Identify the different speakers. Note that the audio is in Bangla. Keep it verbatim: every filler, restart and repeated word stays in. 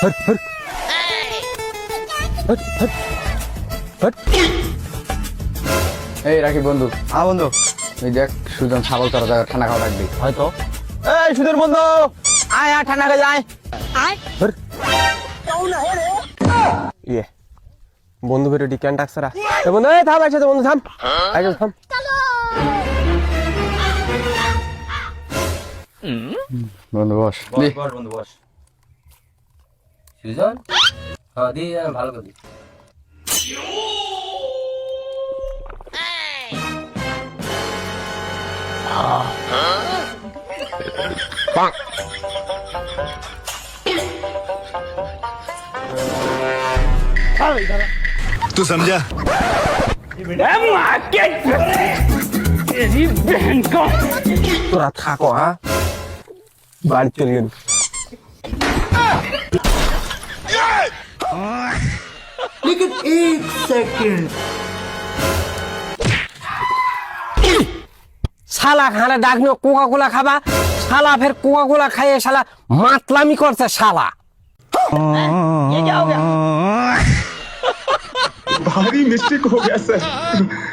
Speaker 1: Hot hot hot hot hot. এই রাখি বন্ধু।
Speaker 2: হ্যাঁ বন্ধু।
Speaker 1: এই দেখ সুজন ছাগল তোরা জায়গা ঠান্ডা খাওয়া রাখবি
Speaker 2: হয়তো। এই সুধীর বন্ধু, আয় আয় ঠান্ডা খেয়ে যায়।
Speaker 1: হট।
Speaker 2: ইয়ে বন্ধু বেরো ডিক্যান টাক্সারা। এ বন্ধু, এই থাম একসাথে বন্ধু, থাম একদম থাম।
Speaker 1: বন্ধু বস দি।
Speaker 3: বস বন্ধু বস। সুজন হ্যাঁ দি ভালো করে দি।
Speaker 4: तू समझा?
Speaker 2: তোরা থাকো, হ্যাঁ বাড়ি চলে গেল। শালা খানা ডাকনো কোকা কোলা খাবা, শালা ফের কোকা কোলা খাইয়ে শালা মাতলামি করছে শালা।
Speaker 4: भारी मिस्टेक हो गया सर।